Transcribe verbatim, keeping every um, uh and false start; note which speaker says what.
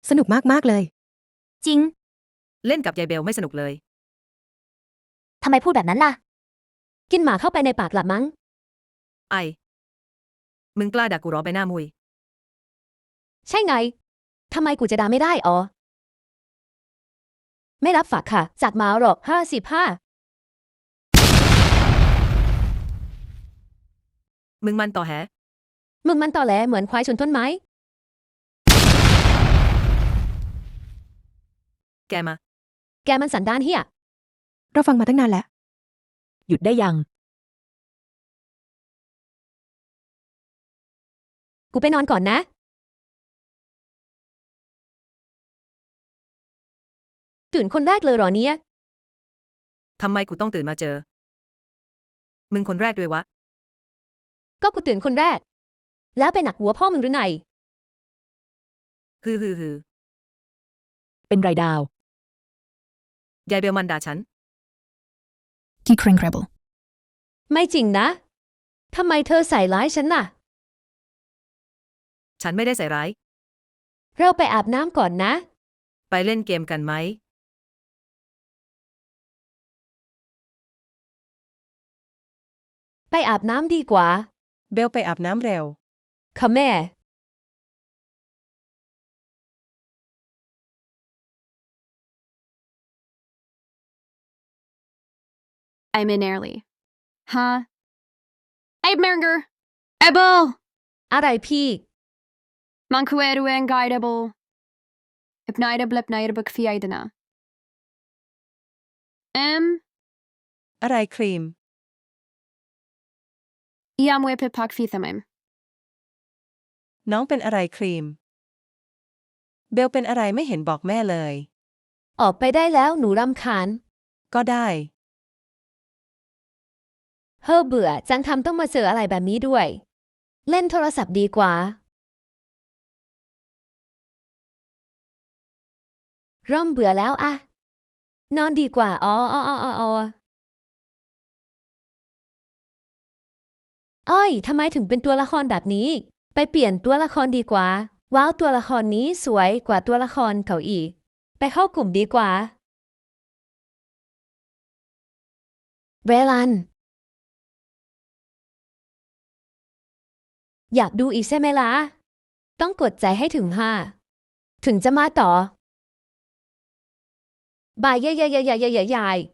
Speaker 1: สนุกมากๆเลย
Speaker 2: จริง
Speaker 3: เล่นกับยายเบลไม่สนุกเลย
Speaker 2: ทำไมพูดแบบนั้นล่ะกินหมาเข้าไปในปากหลับมั้ง
Speaker 3: ไอมึงกล้าด่ากูร้อไปหน้ามุย
Speaker 2: ใช่ไงทำไมกูจะด่าไม่ได้อ๋อไม่รับฝากค่ะจากหมาหรอกห้าสิบห้า
Speaker 3: มึงมันต่อแห
Speaker 2: มึงมันตอแหลเหมือนควายชนต้นไม้
Speaker 3: แกมา
Speaker 2: แกมันสันดานเฮีย
Speaker 1: เราฟังมาตั้งนานแล้ว
Speaker 4: หยุดได้ยัง
Speaker 2: กูไปนอนก่อนนะตื่นคนแรกเลยเหรอเนี่ย
Speaker 3: ทำไมกูต้องตื่นมาเจอ มึงคนแรกด้วยวะ
Speaker 2: ก็กูตื่นคนแรกแล้วไปหนักหัวพ่อมึงหรือไง
Speaker 3: ฮือฮือฮือ
Speaker 4: เป็นไรดาว
Speaker 3: ยายเบลมันด่าฉัน
Speaker 1: Geek Ring Rebel
Speaker 2: ไม่จริงนะทำไมเธอใส่ร้ายฉันน่ะ
Speaker 3: ฉันไม่ได้ใส่ร้าย
Speaker 2: เราไปอาบน้ำก่อนนะ
Speaker 3: ไปเล่นเกมกันไหม
Speaker 2: ไปอาบน้ำดีกว่า
Speaker 5: เบลไปอาบน้ำเร็ว
Speaker 2: ค่ะแม่
Speaker 6: I'm in early. Huh? Hey, Merger! Ebel!
Speaker 2: อะไรพี่
Speaker 6: Man kweru en guidable. Hypnida blipnida buk fiaidana. Em,
Speaker 5: อะไรครีม
Speaker 6: iam we pipak fithamim.
Speaker 5: น้องเป็นอะไรครีม เบลเป็นอะไรไม่เห็นบอกแม่เลย
Speaker 2: ออกไปได้แล้วหนูรำคาญ
Speaker 5: ก็ได้
Speaker 2: เฮ้อเบื่อจังทำต้องมาเจออะไรแบบนี้ด้วย เล่นโทรศัพท์ดีกว่าเริ่มเบื่อแล้วอะนอนดีกว่าอ๋ออ๋ออ๋ออ๋ออ้อยทำไมถึงเป็นตัวละครแบบนี้ไปเปลี่ยนตัวละครดีกว่าว้าวตัวละครนี้สวยกว่าตัวละครเขาอีกไปเข้ากลุ่มดีกว่าเวลันอยากดูอีกใช่ไหมล่ะต้องกดใจให้ถึงห้าถึงจะมาต่อบายเย่เย่เย่เย่เย่เย่